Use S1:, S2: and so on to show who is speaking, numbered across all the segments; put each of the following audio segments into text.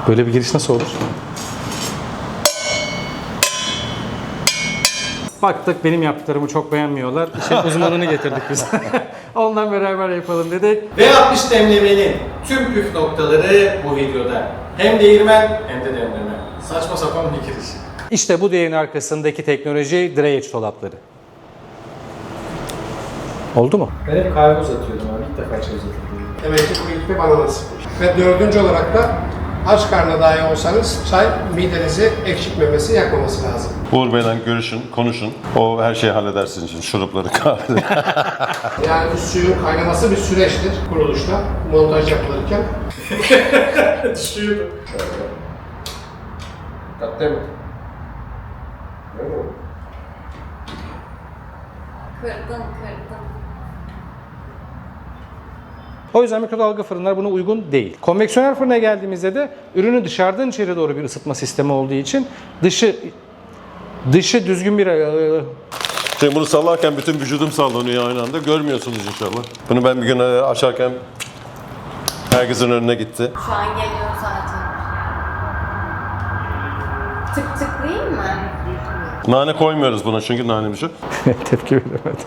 S1: Böyle bir giriş nasıl olur? Baktık benim yaptıklarımı çok beğenmiyorlar. İşin uzmanını getirdik biz. Ondan beraber yapalım dedik.
S2: V60 demlemenin tüm püf noktaları bu videoda. Hem değirmen hem de demleme. Saçma sapan bir giriş.
S1: İşte bu değerin arkasındaki teknoloji Dreyage dolapları. Oldu mu?
S2: Ben hep kahve uzatıyordum abi. İlk defa çay uzatıyorum.
S3: Demek ki bu ilk bir bana nasipmiş. Ve dördüncü olarak da aç karnına dahi olsanız çay midenizi ekşitmemesi, yakmaması lazım.
S4: Uğur Bey'le görüşün, konuşun. O her şeyi halleder sizin için. Şurupları, kahveleri.
S3: Yani bu suyun kaynaması bir süreçtir kuruluşta, montaj yapılırken.
S2: Düşüyordu.
S3: Tatlı mı?
S5: Kırdım.
S1: O yüzden mikrodalga fırınlar buna uygun değil. Konveksiyonel fırına geldiğimizde de ürünü dışarıdan içeri doğru bir ısıtma sistemi olduğu için dışı düzgün bir
S4: Şimdi bunu sallarken bütün vücudum sallanıyor aynı anda. Görmüyorsunuz inşallah. Bunu ben bir gün açarken herkesin önüne gitti.
S5: Şu an geliyor zaten. Tıklayayım mı?
S4: Nane koymuyoruz buna çünkü nane bir şey.
S1: tepki veremedim.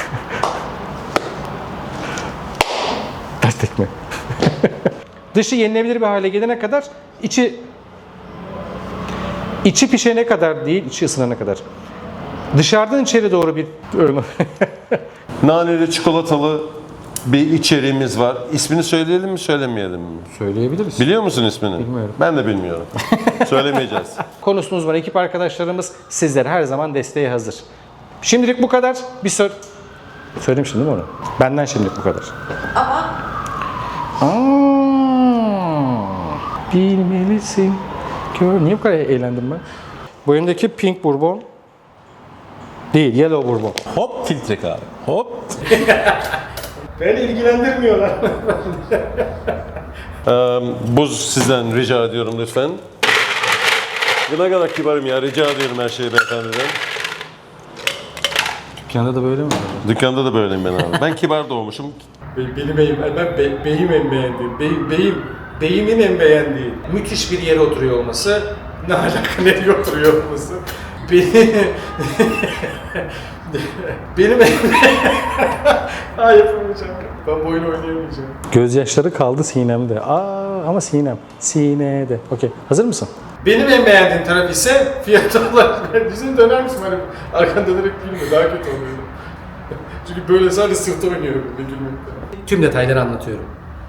S1: Ters tekme. Dışı yenilebilir bir hale gelene kadar içi pişene kadar değil, içi ısınana kadar. Dışarıdan içeri doğru bir
S4: Naneli çikolatalı bir içeriğimiz var. İsmini söyleyelim mi, söylemeyelim mi?
S1: söyleyebiliriz.
S4: Biliyor musun ismini?
S1: Bilmiyorum.
S4: Ben de bilmiyorum. Söylemeyeceğiz.
S1: Konusunu uzman ekip arkadaşlarımız sizlere her zaman desteğe hazır. Şimdilik bu kadar. Bir soru. Söylemiştim değil mi onu? Benden şimdilik bu kadar.
S5: Ama
S1: Bilmelisin. Niye bu kadar eğlendim ben? Bu önündeki pink bourbon değil, yellow bourbon.
S6: Hop filtre kahve. Hop.
S2: Beni ilgilendirmiyorlar.
S4: Buz sizden rica ediyorum lütfen. Ne kadar kibarım ya, rica ediyorum her şeyi beyefendiden.
S1: Dükkanda da böyle mi?
S4: Dükkanda da böyleyim ben abi. Ben kibar doğmuşum.
S2: Benim beyim en beğendiğim. Beyimin en beğendiği. Müthiş bir yere oturuyor olması. Ne alaka nereye oturuyor olması. Benim en yapamayacağım. Ben bu oyunu oynayamayacağım.
S1: Gözyaşları kaldı sinemde. Ama sinem. Sinede. Okey. Hazır mısın?
S2: Benim en beğendiğim taraf ise fiyat olarak. Yüzünü döner misin? Hani arkan dönerek gülme. Daha kötü oluyor. Çünkü böyle sadece sırta oynuyorum bir gülmekten. Tüm detayları anlatıyorum.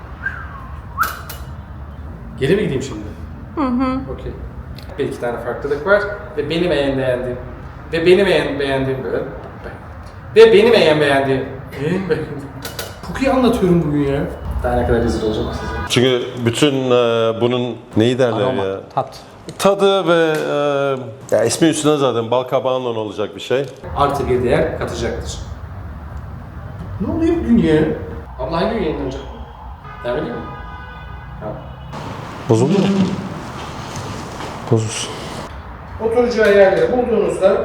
S2: Geri mi gideyim şimdi? Okey. Bir iki tane farklılık var ve benim en beğendiğim ve benim en beğendiğim böyle. Ve benim en beğendiğim. Çok iyi anlatıyorum bugün ya. Daha ne kadar rezil olacağım size.
S4: Çünkü bütün bunun neyi derler
S1: Aroma,
S4: ya?
S1: tat.
S4: Tadı ve ya ismi üstüne zaten bal kabağından olacak bir şey.
S2: Artı bir değer katacaktır. Ne oluyor bugün ya? Abla hangi gün yayınlanacak? Devam ediyor mu? Tamam.
S1: Bozuldu mu? Bozulsun.
S2: Oturacağı yerleri bulduğunuzda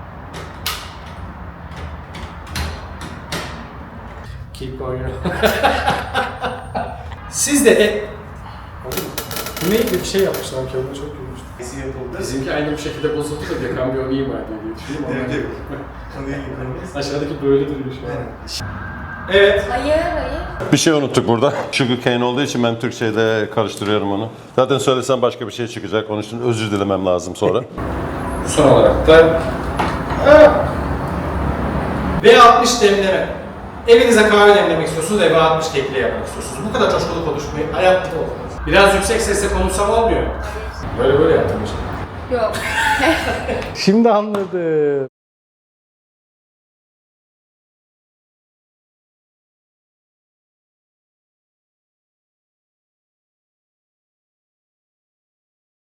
S2: keep going. Siz de bu neydi bir şey yapmışlar ki onu çok gülmüştüm.
S7: Nesi yapıldı?
S2: Bizimki aynı bir şekilde bozuldu da Gökhan bir onu ima ediyor diye düşündüm ama.
S7: Evet. Konuyu yıkamayız.
S2: Aşağıdaki böyle duruyor şu an. Evet.
S5: hayır.
S4: Bir şey unuttuk burada. Sugar cane olduğu için ben Türkçe'de karıştırıyorum onu. Zaten söylesem başka bir şey çıkacak. Onun için özür dilemem lazım sonra.
S2: Son olarak da V60 demleme. Evinize kahve demlemek istiyorsunuz, V60 kekle yapmak istiyorsunuz. Bu kadar coşkulu konuşmayı hayatta olmaz. Biraz yüksek sesle konuşsam olmuyor. Böyle yaptım işte.
S5: Yok.
S1: Şimdi anladım.